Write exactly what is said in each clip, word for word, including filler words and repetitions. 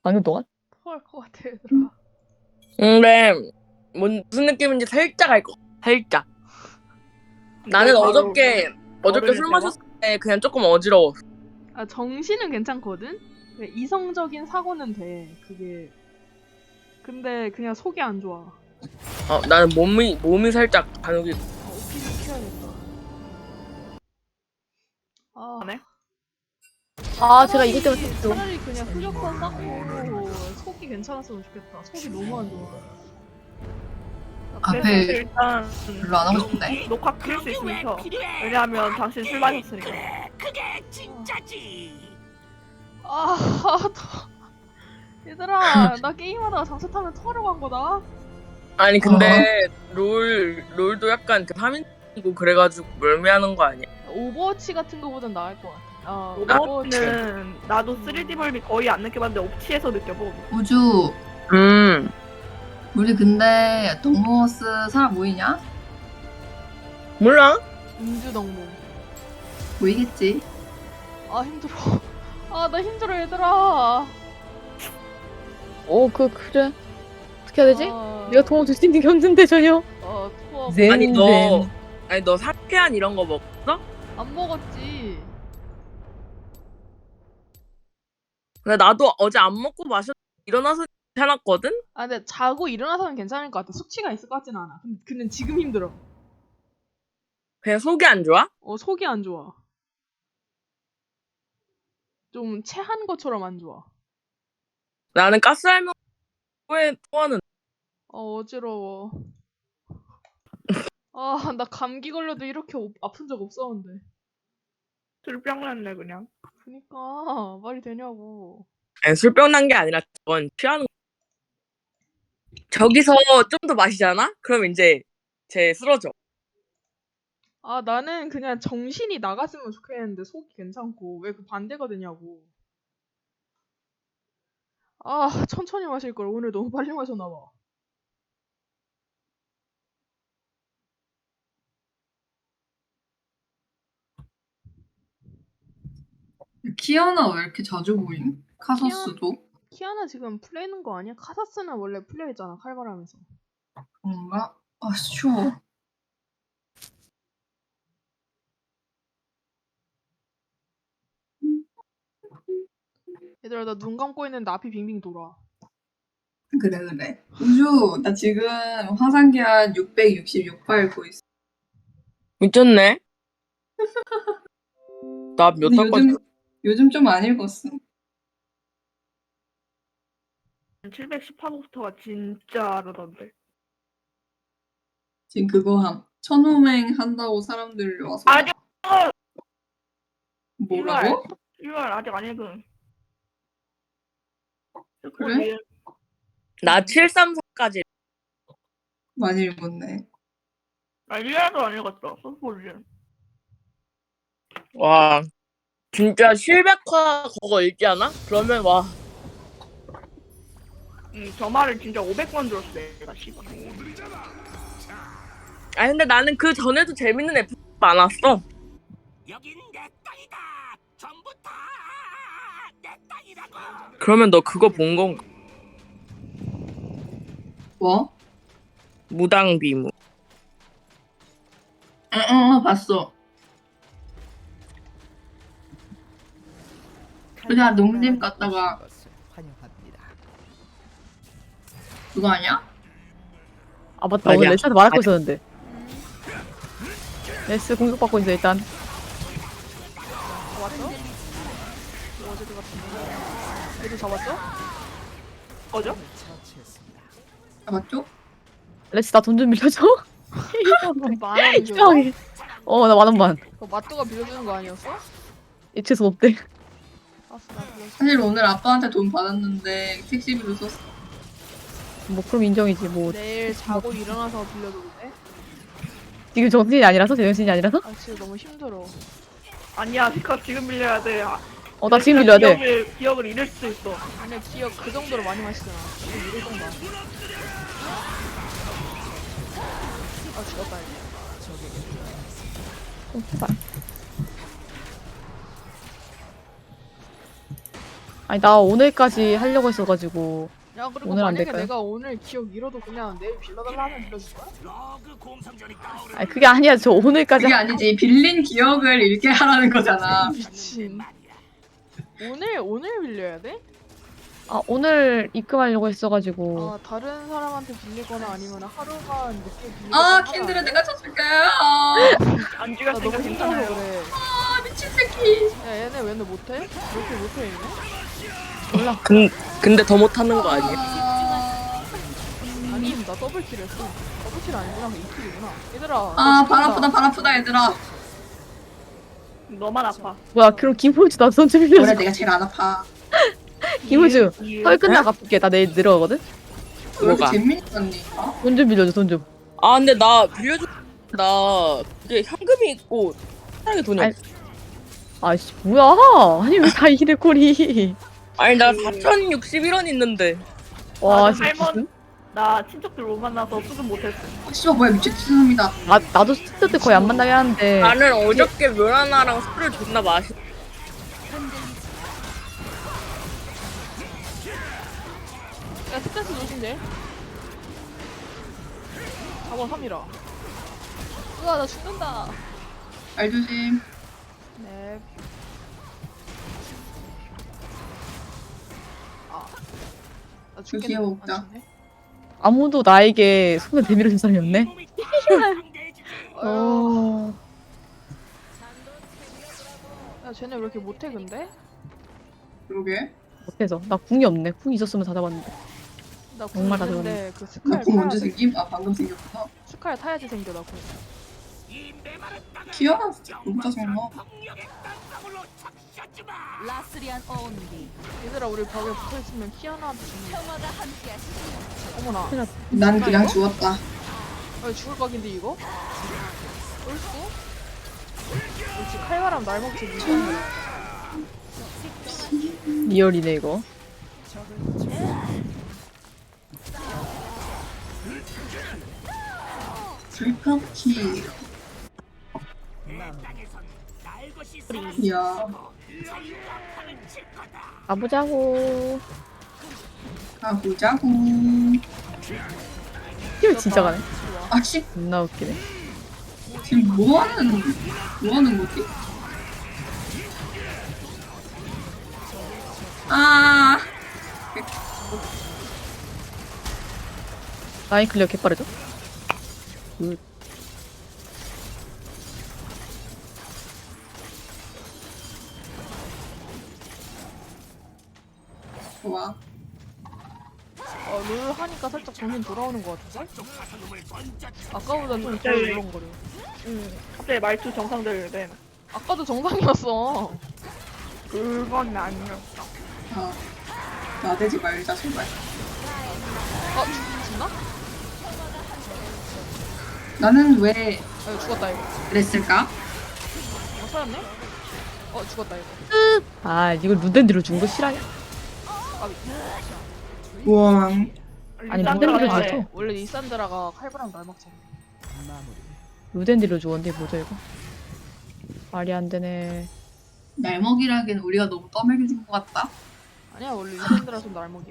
방금 동안? 토할 것 같아 얘들아. 근데 뭔 무슨 느낌인지 살짝 알 거. 살짝. 나는 바로 어저께 어저께 술 어른이 마셨을 때 그냥 조금 어지러워. 아 정신은 괜찮거든? 그냥 이성적인 사고는 돼. 그게 근데 그냥 속이 안 좋아. 어 나는 몸이 몸이 살짝 반응이. 아, 오피를 키워야겠다. 아, 네? 아, 제가 이것 차라리- 때문에 좀. 차라리 그냥 흑역사 쌓고 속이 괜찮았으면 좋겠다. 속이 너무 안 좋아. 그래서 앞에 일단 별로 안 하고 싶은데? 녹화 킬 수 있으면 켜. 왜냐하면 당신 술 마셨으니까. 아, 더... 얘들아, 나 게임하다가 장사 타면 토하려고 한 거다. 아니 근데 롤 롤도 약간 그 삼인이고 그래가지고 멀미하는 거 아니야? 오버워치 같은 거보단 나을 것 같아. 아, 오버워치는 나도 쓰리디 멀미 거의 안 느껴봤는데 옵치에서 느껴보고. 우주, 음 우리 근데 동모스 사람 모이냐? 몰라? 음주덕무. 모이겠지. 아, 힘들어. 아, 나 힘들어, 얘들아. 어, 그, 그래. 어떻게 해야 되지? 아, 내가 도움 줄 수 있는 게 없는데, 전혀. 어, 토하고. zen, 아니 너 zen. 아니 너 사케안 이런 거 먹었어? 안 먹었지. 근데 나도 어제 안 먹고 마셨 일어나서 괜찮았거든? 아, 근데 자고 일어나서는 괜찮을 것 같아. 숙취가 있을 것 같지는 않아. 근데, 근데 지금 힘들어. 그냥 속이 안 좋아? 어, 속이 안 좋아. 좀 체한 것처럼 안 좋아. 나는 가스알면 왜 토하는 어, 어지러워. 아, 나 감기 걸려도 이렇게 오- 아픈 적 없었는데. 술병 났네 그냥. 그니까 말이 되냐고. 아니 술병 난 게 아니라 그건 취하는 거. 저기서 좀 더 마시잖아? 그럼 이제 쟤 쓰러져. 아, 나는 그냥 정신이 나갔으면 좋겠는데 속이 괜찮고 왜 그 반대가 되냐고. 아, 천천히 마실 걸. 오늘 너무 빨리 마셨나 봐. 키아나 왜 이렇게 자주 모임? 카서스도? 키아나 지금 풀리는 거 아니야? 카사스는 원래 풀려있잖아, 칼바람에서. 뭔가? 아, 추워. 얘들아, 나 눈 감고 있는데 앞이 빙빙 돌아. 그래, 그래. 우주, 나 지금 화산기한 육백육십육 발 고 있어. 미쳤네? 나 몇 근데 달까지 요즘, 요즘 좀 안 읽었어. 칠백십 화부터가 진짜 그러던데. 지금 그거 함. 천호맹 한다고 사람들이 와서. 아직 뭐라고? 일월 아직 안 읽은. 그래? 나 칠백삼십사까지 많이 읽었네. 나 일월도 안 읽었어. 소스볼리. 와 진짜 칠백 화 그거 읽지 않아? 그러면 와 응, 저 말을 진짜 오백 번 들었어 내가 씨발. 아니 근데 나는 그 전에도 재밌는 에피소드 많았어. 여긴 내 땅이다. 전부 다 내 땅이라고. 그러면 너 그거 본 건가? 뭐? 무당비무. 응, 응, 응, 봤어. 그냥 농림 갔다가 그거 아니야? 아, 맞다. 아니야. 오늘 레스한테 말할 거 아니. 있었는데. 레스 공격받고 있어, 일단. 잡았어? 뭐 어제 그 같은데. 애들 잡았죠? 거죠? 아, 맞죠? 레스 나 돈 좀 빌려줘? 만원 빌려줘? 이상하게. 어, 나 만 원만. 그거 맛도가 빌려주는 거 아니었어? 이체수 없대. 알았어, 나 빌려줘. 사실 오늘 아빠한테 돈 받았는데 택시비로 썼어. 뭐, 그럼 인정이지, 뭐. 내일 자고 일어나서 빌려줘도 돼? 지금 정신이 아니라서? 제정신이 아니라서? 아, 지금 너무 힘들어. 아니야 피카 지금 빌려야 돼. 아, 어, 나 지금 빌려야 돼. 기억을, 기억을 잃을 수도 있어. 아니야, 기억 그 정도로 많이 마시잖아. 지금 이럴 정도 아니야. 아, 죽었다, 이제. 좀 제발. 아니 나 오늘까지 하려고 했어가지고 야 그리고 오늘 안 만약에 될까요? 내가 오늘 기억 잃어도 그냥 내일 빌려달라 하면 빌려줄 거야? 러그 공성전이 떠오르는 아니 그게 아니야. 저 오늘까지 그게 아니지. 빌린 기억을 잃게 하라는 거잖아. 미친. 오늘 오늘 빌려야 돼? 아 오늘 입금하려고 했어가지고 아 다른 사람한테 빌리거나 아니면 하루만 늦게 빌리거나. 아, 하면 킨드를 안 돼? 내가 쳐줄게. 아, 안 나 죽였으니까 너무 힘들어서 괜찮아요. 그래. 아, 미친 새끼. 야 얘네 왜 너 못해? 왜 이렇게 못해 얘네? 몰라. 근, 근데 더 못하는 거 아니야? 아, 아니 나 더블킬 했어. 더블킬 아니구나 이 킬이구나. 얘들아. 아, 너 발 죽는다. 아프다, 발 아프다, 얘들아. 너만 아파. 뭐야 그럼 김호주 나도 손좀 원래 빌려줘. 내가 제일 안 아파. 김호주 이- 설 끝나고 갚을게. 나 내일 늘어가거든. 왜 이렇게 뭐가? 재민이 언니? 어? 돈 좀 빌려줘 돈 좀. 아 근데 나 빌려줘. 나 그게 현금이 있고 편하게 돈이 아니, 없어. 아씨 뭐야? 아니 왜 다 이래 꼴이? 아니 나 사천육십일 원 있는데. 와 아, 진짜. 할머니- 나 친척들 못 만나서 수습 못했어. 아, 씨발, 뭐야, 미친 죄송합니다. 나 나도 스트 때 거의 안 만나게 하는데. 나는 어저께 멸하나랑 술을 존나 마시. 야 스탠스 조심해. 사 번 삼이라. 우와 나 죽는다. 알 조심. 네. 아. 나 조심해 죽겠네. 먹자. 안 죽네. 아무도 나에게 손을 대밀어 준 사람이 없네. 몸이 상대해주지. 어휴. 어. 야 쟤네 왜 이렇게 못해 근데? 그러게. 못해서 나 궁이 없네. 궁 있었으면 다 잡았는데. 나 정말 궁인데 그 스칼 나궁 언제 타야지. 생김? 아, 방금 생겼구나. 스칼 타야지 생겨 나 궁. 이 메마른 땅을 키아나 진짜 너무 짜증나. 폭력의 땅방울로 착시하지 마. 라스리안 어운디 얘들아 우리 벽에 붙어있으면 키아나한테 죽는 거야. 평화가 함께하시길 어머나. 난 그냥 죽었다. 아 죽을 각인데 이거? 옳고? 역시 칼바람 날 먹지 못하는 리얼이네 이거. 불컵키. 내 땅에선 날 것이 이야. 자유한판을 칠 거다. 가보자고. 가보자고. 이거 진짜 가네. 아, 씨. 존나 웃기네. 지금 뭐 하는, 뭐 하는 거지? 아, 라인 클리어 개빠르죠? 굿. 좋아. 어, 롤 하니까 살짝 정신 돌아오는 것 같은데? 아까보다 좀 진짜 덜 울렁거려. 응. 갑자기 말투 정상들된. 아까도 정상이었어. 그건 아니야. 아, 나대지 말자, 제발. 아, 죽, 죽나? 나는 왜 아, 이거 죽었다, 이거. 그랬을까? 어, 살았네? 어, 죽었다, 이거. 아 이거 루덴드로 준 거 실화냐? 아, 우왕. 아니, 싼 루덴드를 거라서. 줬어. 원래 리산드라가 칼바람 날 먹잖아. 루덴드로 주었는데 뭐죠 이거? 말이 안 되네. 날먹이라기엔 우리가 너무 떠먹여준 것 같다. 아니야, 원래 리산드라 좀 날먹이야.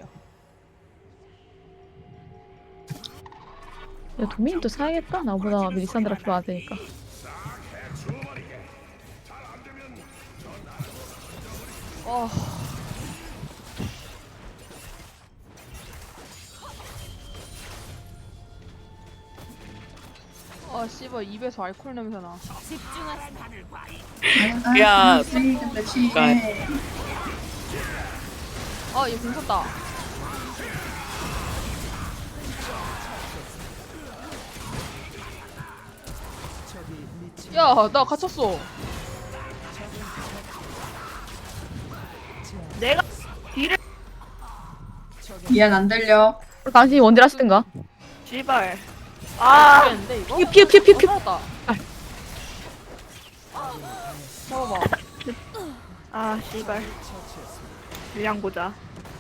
야 도민도 사야겠다. 나보다 미리산드라 필요 안 되니까. 어. 아, 씨발, 입에서 알코올 냄새 나. 집중하세요. 야. 근데 취해. 아, 얘 괜찮다. 야, 나 갇혔어. 내가 딜을 미안, 안 들려. 당신이 원딜 하시든가. 씨발. 아, 죽겠는데, 이거? 피해 피해 피해 어, 피해. 살았다. 잡아봐. 아, 씨발. 물량 보자.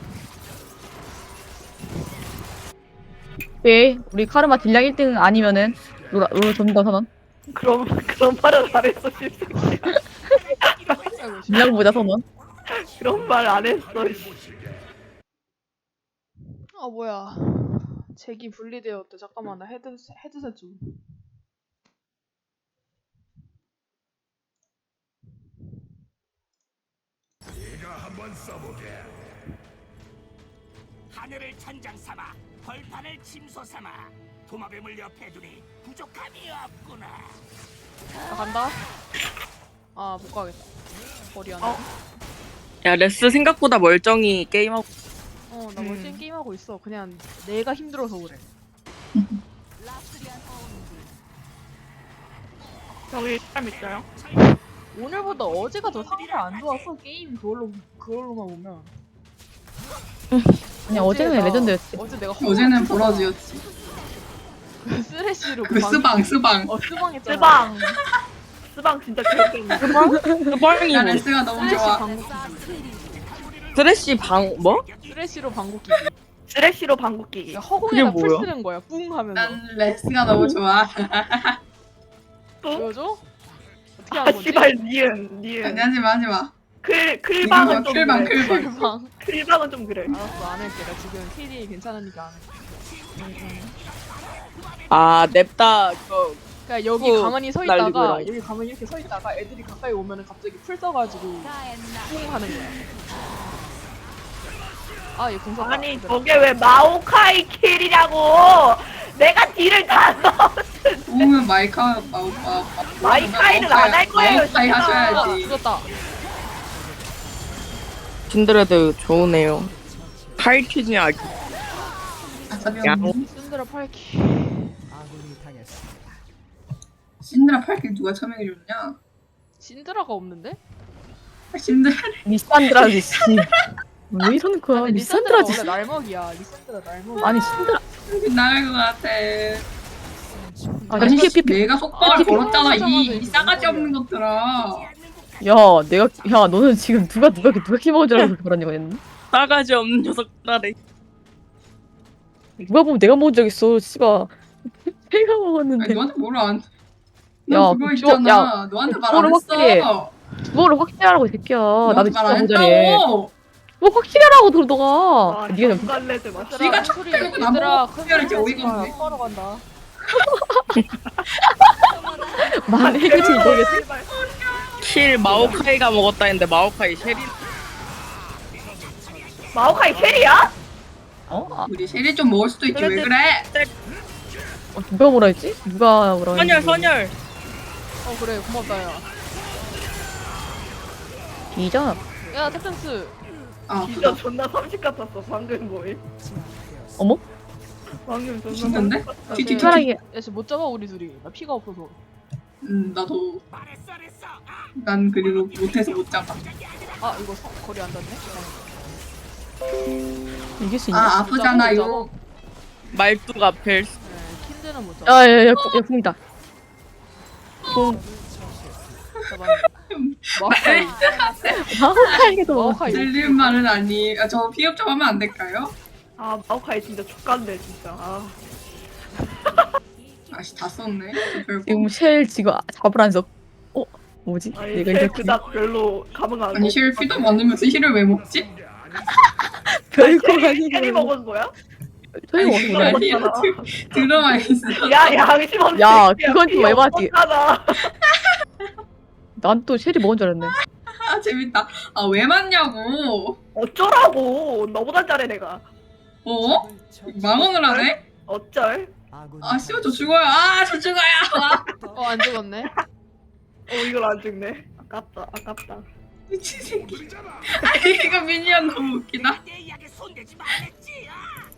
왜 우리 카르마 딜량 일 등 아니면은 로라 로라 전문가 선언. 그럼 그런 말을 안 했어, 씨발. 아이고, 씨. 딜량 보자 선언. 그런 말 안 했어. 씨. 아 뭐야. 잭이 분리되었대. 잠깐만 나 헤드 헤드셋 좀. 하늘을 천장 삼아 벌판을 침소 삼아 도마뱀을 옆에 두니 부족함이 없구나. 나 간다. 아 못 가겠다. 거리 안 돼. 어. 야 레스 생각보다 멀쩡히 게임하고. 어, 나 음. 멀쩡히 게임하고 있어. 그냥 내가 힘들어서 그래. 라스리안 어운디. 저기 사람 있어요? 오늘보다 어제가 더 상태 안 좋아서 게임 그걸로 그걸로만 보면. 아니 어제는 나- 레전드였지. 어제 내가 어제는 보라지였지. 그 쓰레쉬로 그 스방 스방. 어 스방했잖아. 스방. 스방 진짜 귀엽겠네. 스방이 야 뭐 레스가 너무 쓰레쉬 좋아. 방구 스레시 방 뭐? 쓰레쉬로 방구 끼기. 쓰레쉬로 방구 끼기. 그러니까 허공에다 그게 풀 뭐야? 쓰는 거야. 뿡 하면서. 난 레스가 너무 좋아. 보여줘? 어떻게 아 하는 거지? 씨발 니은 니은. 아니 하지마 하지마. 클 클방은 좀 클방 그래. 클방. 방. 클방은 좀 그래. 알았어 안 할게. 나 지금 티디 괜찮으니까 안 할게. 아 냅다 그거 그러니까 여기 어, 가만히 서 날리고 있다가 이러고. 여기 가만히 이렇게 서 있다가 애들이 가까이 오면은 갑자기 풀 써가지고 가엔나. 뿡 하는 거야. 아, 얘 공사. 아니 저게 왜 마오카이 킬이냐고. 내가 딜을 다 넣어. 오면 마이카 마우 마우 마이카이는 안할 거예요, 마이카이 진짜. 아, 하셔야지. 죽었다. 킨드레드 좋으네요. 파이팅이 아주 아사비 야. 언니. 신드라 팔키. 신드라 팔길 누가 참여해줬냐? 신드라가 없는데? 신드라 리산드라 씨. 왜 이러는 거야? 아니, 리산드라 리산드라가 씨. 원래 날먹이야. 리산드라 날먹. 아니 신드라. 나갈 것 같아. 아 아니 피, 피, 피. 내가 속박을 아, 걸었잖아 이, 피곤하자마자 이 싸가지 없는 것들아. 야 내가 야 너는 지금 누가 누가 누가 키 먹은 줄 알고 그렇게 말하냐고 했는데. 싸가지 없는 녀석들아. 누가 보면 내가 먹은 적 있어. 씨발. 내가 아니 먹었는데. 너한테 뭘 안? 야, 너 그거 그거- 있잖아. 야, 너한테 말 안 그거를 확실히 했어. 그거를 확실하라고 이 새끼야. 나도 너한테 진짜 말 안 모자래. 했다고. 뭐 확실하라고 너 너가. 아 네가 좀 정갈래들 맞. 네가 척 빼놓고 나보고 특별하게 어이가 없네. 하러 간다. 말해 그치 모르겠어. 킬 마오카이가 먹었다 했는데 마오카이 쉐리 마오카이 킬이야? 어? 아, 우리 쉐리 좀 먹을 수도 있지 왜 그래? 어, 누가 뭐라 했지? 누가 뭐라 했지? 선열 선열. 어 그래 고맙다 야. 비잖아. 야 탭댄스. 아 진짜 아프다. 존나 삼십 같았어 방금 뭐임? 어머? 방금 존나 미친건데? 삼십 같았어. 뒤뒤뒤. 사랑해. 야 지금 못 잡아 우리 둘이. 나 피가 없어서. 음 나도 말했어, 그랬어. 아, 난 그리고 못해서 못 잡아. 아 이거 서, 거리 안 닿네. 이길 수 있냐? 아 아프잖아요. 말뚝 앞에 네, 킨드는 못 잡아. 야야야 야, 궁이다. 궁. 잡았네. 마오카이. 마오카이도. 마오카이. 들리는 말은 아니. 아, 저 피업 좀 하면 안 될까요? 아 마오카이 진짜 족간데 진짜. 아. 아씨 다 썼네. 별거. 지금 쉘 지금 잡으라면서. 어? 뭐지? 아니 내가 쟤 이렇게 그닥 별로 감흥 안. 아니 실 피도 많으면서 실을 왜 먹지? 별거 쉐리 아니고. 먹은 거야? 소용 아니, 없어. 아니 들- 들어와 있어. 야 양심 없네. 야, 그건 좀 에바지. 하다. 난 또 쉘이 먹은 줄 알았네. 아 재밌다. 아 왜 맞냐고. 어쩌라고. 너보다 잘해 내가. 어? 망언을 하네? 어쩔? 아 씨발 저 죽어요. 아 저 죽어요. 아, 어 안 죽었네. 어 이걸 안 죽네. 아깝다 아깝다. 미친 새끼. 아니 이거 미니언 너무 웃기다. 내 이야기 손대지 말랬지. 아.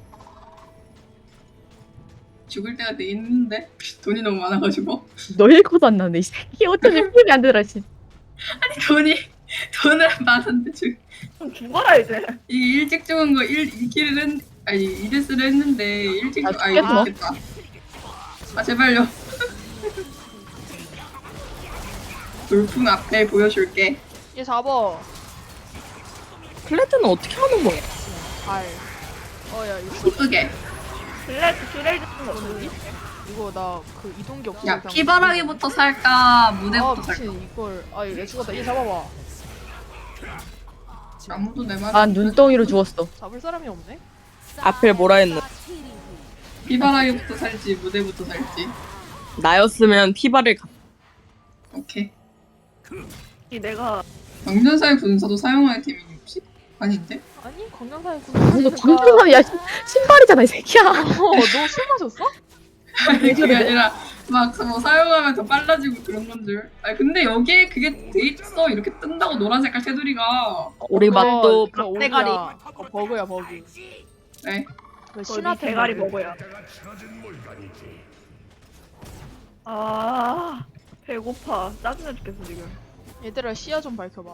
죽을 때가 돼 있는데 돈이 너무 많아가지고. 너일 것도 안 나네. 이 새끼 어쩐지 풀이 안 되더라 씨. 아니 돈이 돈을 많은데 죽. 좀 죽어라 이제. 이 일찍 죽은 거 일, 이 킬을 했, 아니 이 데스를 했는데 일찍 아, 죽, 아 죽겠어. 이거 죽겠다. 아 제발요. 돌풍 앞에 보여줄게. 얘 잡어. 플레드는 어떻게 하는 거야? 발. 어야 이거 이쁘게. 블레드 슈레이드 쓴거 없니? 이거 나 그 이동기 없어. 야 피바라기부터 살까 아 무대부터 살까. 미친 이걸. 아 얘 죽었다. 얘 잡아봐. 아무도 내 말. 난 눈덩이로 죽었어. 잡을 사람이 없네. 앞에 뭐라 했노? 피바라기부터 살지 무대부터 살지. 나였으면 피바를 가... 오케이. 이 내가 경전사의 분사도 사용하는 팀이 혹시? 아닌데? 아니 건강사에 군. 이거 방금 야 신- 신발이잖아 이 새끼야. 어너술 마셨어? 그게 아니라 막 뭐 사용하면 더 빨라지고 그런 건 줄. 아 근데 여기에 그게 돼 있어. 이렇게 뜬다고 노란 색깔 테두리가. 우리 맛도 그거 오리야. 대가리. 어, 버그야 버그. 네. 그 거의 신화 대가리 버그. 먹어야. 아 배고파. 짜증나 죽겠어 지금. 얘들아 시야 좀 밝혀봐.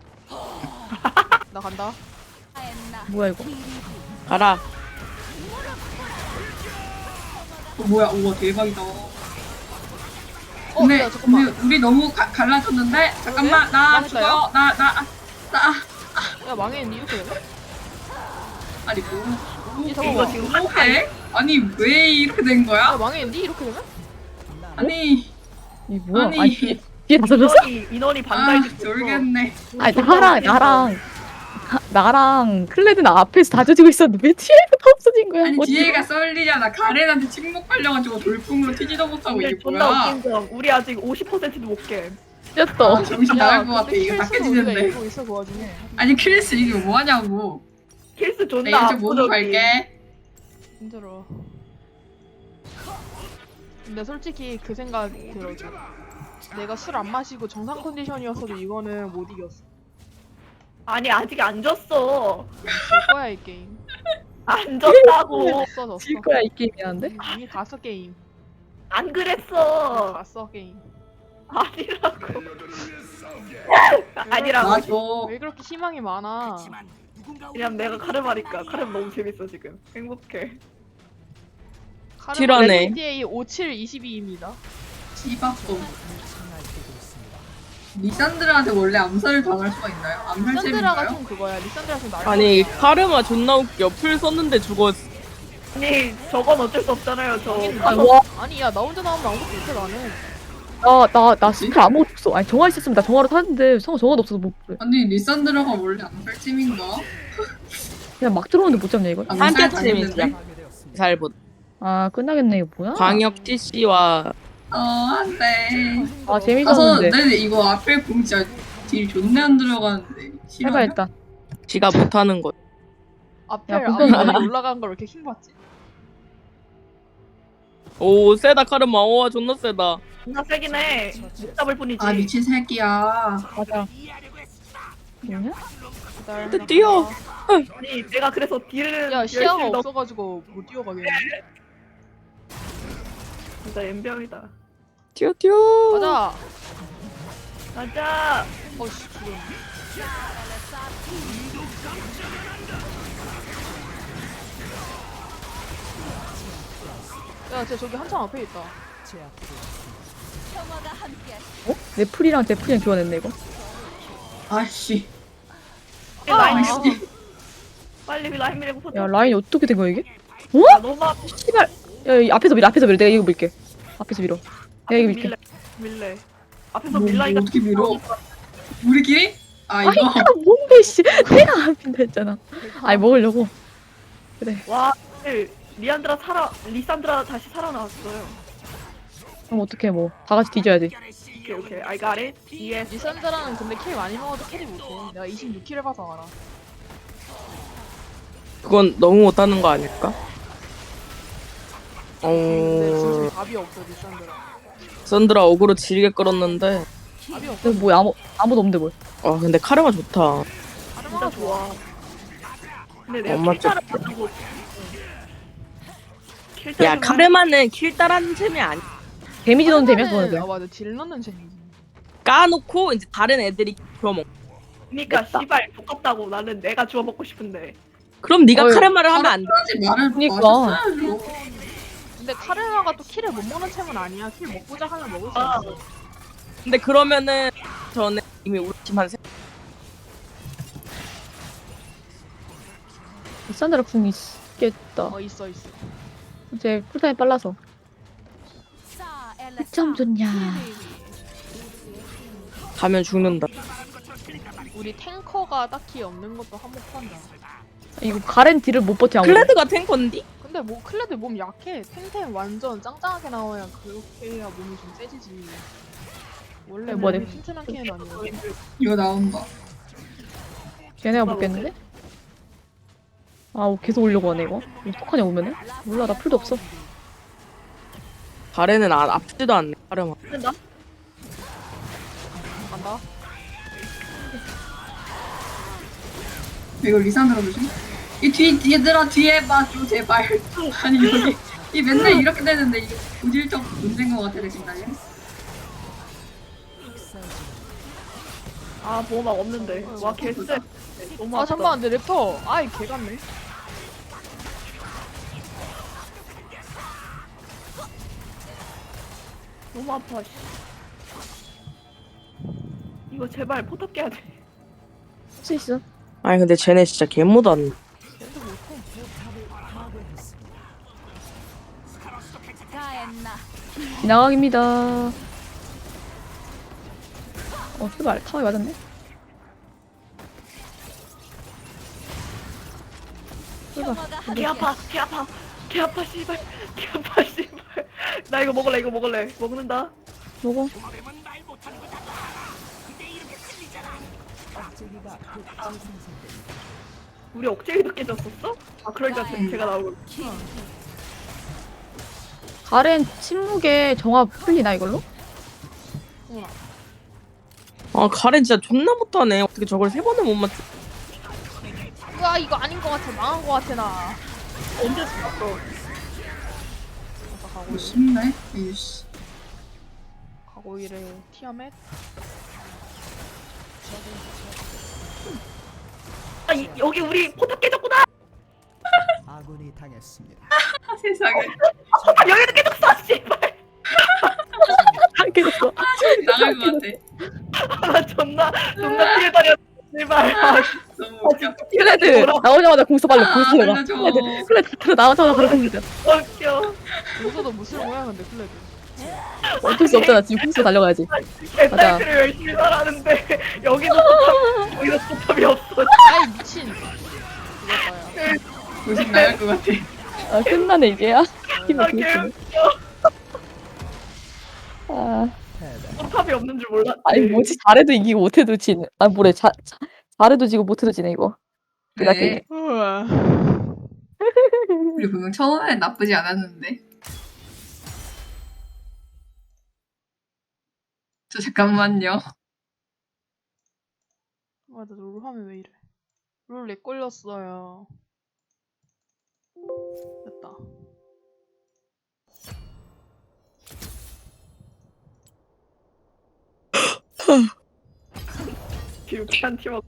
나 간다. 뭐야 이거? 가라. 어, 뭐야? 우와 대박이다. 어, 근데 야, 잠깐만. 우리, 우리 너무 가, 갈라졌는데 잠깐만 왜? 나 망했다요? 죽어 나 나 나 야 망했니 이렇게 되면? 아니 뭐, 뭐 이 이거 잠깐만. 지금 뭐해? 아니 왜 이렇게 된 야 거야? 망했니 이렇게 되면? 아니 이 뭐야? 아니. 아니 뒤에 뒤에 다 젖었어? 인원이 인원이 아 반달이 졸겠네. 아니 나랑 나랑 나- 나랑 클레드는 앞에서 다 젖고 있었는데 왜 뒤에부터 없어진 거야? 아니 어디- 뒤에가 썰리잖아. 가렌한테 침묵팔려가지고 돌풍으로 튀지도 못하고 근데 이게 존나 뭐야? 웃긴 점 우리 아직 오십 퍼센트도 못 깨. 찢었어. 아, 정신 나갈 것 같아. 이거 킬수는 우리가 닦여지는데. 이기고 있어 그 와중에. 아니 크리스 이거 뭐하냐고. 킬스 나 존나 이거 좀 모두 압도적이. 갈게. 힘들어. 근데 솔직히 그 생각 들어줘. 내가 술 안 마시고 정상 컨디션이었어도 이거는 못 이겼어. 아니 아직 안 졌어. 질 거야 이 게임. 안 졌다고. 졌어 졌어. 질 거야 이 게임이란데? 이미, 이미 갔어 게임. 안 그랬어. 갔어 게임. 아니라고. 아니라고. 맞아. 왜 그렇게 희망이 많아? 하지만 누군가 그냥 내가 카르마니까 카르마 너무 재밌어 지금. 행복해. tir하네. GTA 오칠 이십이입니다. 씨박도. 리산드라한테 원래 암살을 당할 수가 있나요? 암살 리산드라가 잼인가요? 좀 그거야. 리산드라 좀 나를. 아니 카르마 존나 웃겨. 풀 썼는데 죽었어. 아니 저건 어쩔 수 없잖아요. 저 아, 와, 아니 야 나 혼자 나오면 아무것도 못해 나는. 나나나 스킬 아무것도 없어. 아니 정화 있었으면 나 정화로 탔는데 성 정화도 없어서 못 그래. 아니 리산드라가 원래 암살 잼인가? 그냥 막 들어오는데 못 잡냐 이걸? 암살 한뼘 당했는데? 팀이야. 잘 보. 아 끝나겠네 이거 뭐야? 광역 티씨와 어 안돼. 아 가서 재밌었는데. 네 이거 앞에 공 진짜 딜 존나 안 들어가는데. 싫어요? 해봐 일단. 지가 못하는 거. 앞에 야, 앞에 무슨- 올라간 걸 왜 이렇게 힘 받지? 오 세다 카르마. 와 존나 세다. 존나 세긴 해. 못 잡을 뿐이지. 아 미친 새끼야. 맞아. 뭐냐? 기다려. 근데 뛰어. 아니 내가 그래서 딜은 야 시야가 열심히 넣- 없어가지고 못 뛰어가겠네. 진짜 엠병이다. 튀어 튀어. 가자. 가자. 어씨 죽었네. 야, 쟤 저기 한참 앞에 있다. 평화가 함께 어? 내 풀이랑 제 풀이랑 교환했네 이거. 아씨. 아, 라인 아, 밀고 빨리 라인 밀고 포 야 라인이 어떻게 된 거야 이게? 아, 너무 아파. 씨발. 야 이 앞에서 밀어 앞에서 밀어 내가 이거 밀게. 앞에서 밀어. 내가 이거 밀게. 밀래. 밀래. 앞에서 뭐, 밀라니까 뭐 어떻게 밀어? 우리끼리? 아 아니 이거 이거 뭔데 씨. 내가 안 민다 했잖아. 아니 먹으려고. 그래. 와 리안드라 살아 리산드라 다시 살아나왔어요. 그럼 어떡해 뭐. 다 같이 뒤져야지. 오케이 오케이 I got it. Yes. 리산드라는 근데 킬 많이 먹어도 캐리 못해. 내가 이십육 킬 해봐서 알아. 그건 너무 못하는 거 아닐까? 근데 진짜 어 답이 없어 리산드라. 썬드라 어그로 지리게 끌었는데. 답이 없어. 근데 뭐 아무 아무도 없는데 뭘. 아 근데 카르마 좋다. 하르마가 진짜 좋아. 근데 내가 엄마 킬타를 가지고 야 카르마는 킬 따라하는 셈이 아니. 데미지 넣는 데미야 하르마는- 그거는. 아 맞아 딜 넣는 재미지. 까놓고 이제 다른 애들이 주워먹. 그러니까 씨발 두껍다고 나는 내가 주워 먹고 싶은데. 그럼 네가 어휴, 카르마를 하면 안 돼. 하지 말을 그니까. 마셨어야죠. 근데 카르마가 또 킬을 못 먹는 챔은 아니야. 킬 먹고자 하면 먹을 수 아. 있어. 근데 그러면은 전에 이미 우리 팀한 세. 산드라 궁 있겠다. 어 있어 있어. 이제 쿨타임 빨라서. 싸 엘레사 점 좋냐. 가면 죽는다. 우리 탱커가 딱히 없는 것도 한몫한다. 이거 가렌 딜을 못 버텨 아무도. 클레드가 탱커인디? 근데 뭐 클레드 몸 약해. 탱탱 완전 짱짱하게 나와야 그렇게 해야 몸이 좀 세지지. 원래 뭐야, 몸이 내- 튼튼한 캐는 아니야. 이거 나온다. 걔네가 먹겠는데? 아 계속 오려고 하네 이거. 어떡하냐 오면은? 몰라 나 풀도 없어. 가래는 아, 아프지도 않네. 가려마. 된다? 간다. 이거 리산으로 조심. 이 뒤, 얘들아 뒤에 봐줘 제발. 아니 여기 이 맨날 이렇게 되는데 이게 고질적 문제인 것 같아 내 생각에. 아 보호막 없는데. 와 개쎄. 너무 아 아프다. 잠깐만 내 랩터. 아이 개 같네. 너무 아파. 씨. 이거 제발 포탑 깨야 돼. 할 수 있어. 아니 근데 쟤네 진짜 개못한. 가엔나. 지나가기입니다. 어 제발 타워에 맞았네. 제발. 평화가 개 아파. 개 아파. 개 아파 씨발. 개 아파 씨발. 나 이거 먹을래. 이거 먹을래. 먹는다. 먹어. 도마뱀은 말 못하는 거다. 근데 이렇게 틀리잖아. 우리 억제기도 깨졌었어? 아 그러니까 제- 제가 나오고. 가렌 침묵에 정화 풀리나 이걸로? 아 가래 진짜 존나 못하네. 어떻게 저걸 세 번을 못 맞춰? 으아 이거 아닌 것 같아. 망한 것 같아 나. 언제 죽었어? 뭐 쉽네. 이씨. 가고 이래 티아멧. 아 이, 여기 우리 포탑 깨졌구나. 아군이 당했습니다. 아 세상에. 아 여기도 깨졌어. 씨발. 안 깨졌어. 나갈 것 같아. 아 존나 존나 피해 다녔. 씨발. 아, 너무 웃겨. 클레드 나오자마자 공수 발로 공수 내가. 알려줘. 클레드 클레드 클레드 나오자마자 바로 공수 내가. 웃겨. 여기서도 무슨 모양 근데 클레드. 어쩔 수 없잖아. 지금 공수 달려가야지. 개딸기를 열심히 살았는데 여기도 포탑 여기도 포탑이 없어. 아이 미친. 이거봐요. 조심 나갈 것 같아. 아 끝나네 이제야. 아 힘을 개 비웃기네. 웃겨. 아 포탑이 없는 줄 몰랐지. 아니 뭐지 잘해도 이기고 못해도 지네. 아 뭐래 자, 자 잘해도 지고 못해도 지네 이거. 네. 우와. 우리 분명 처음엔 나쁘지 않았는데. 저 잠깐만요. 맞아 롤 하면 왜 이래. 롤 렉 걸렸어요. 됐다. 유쾌한 팀워크.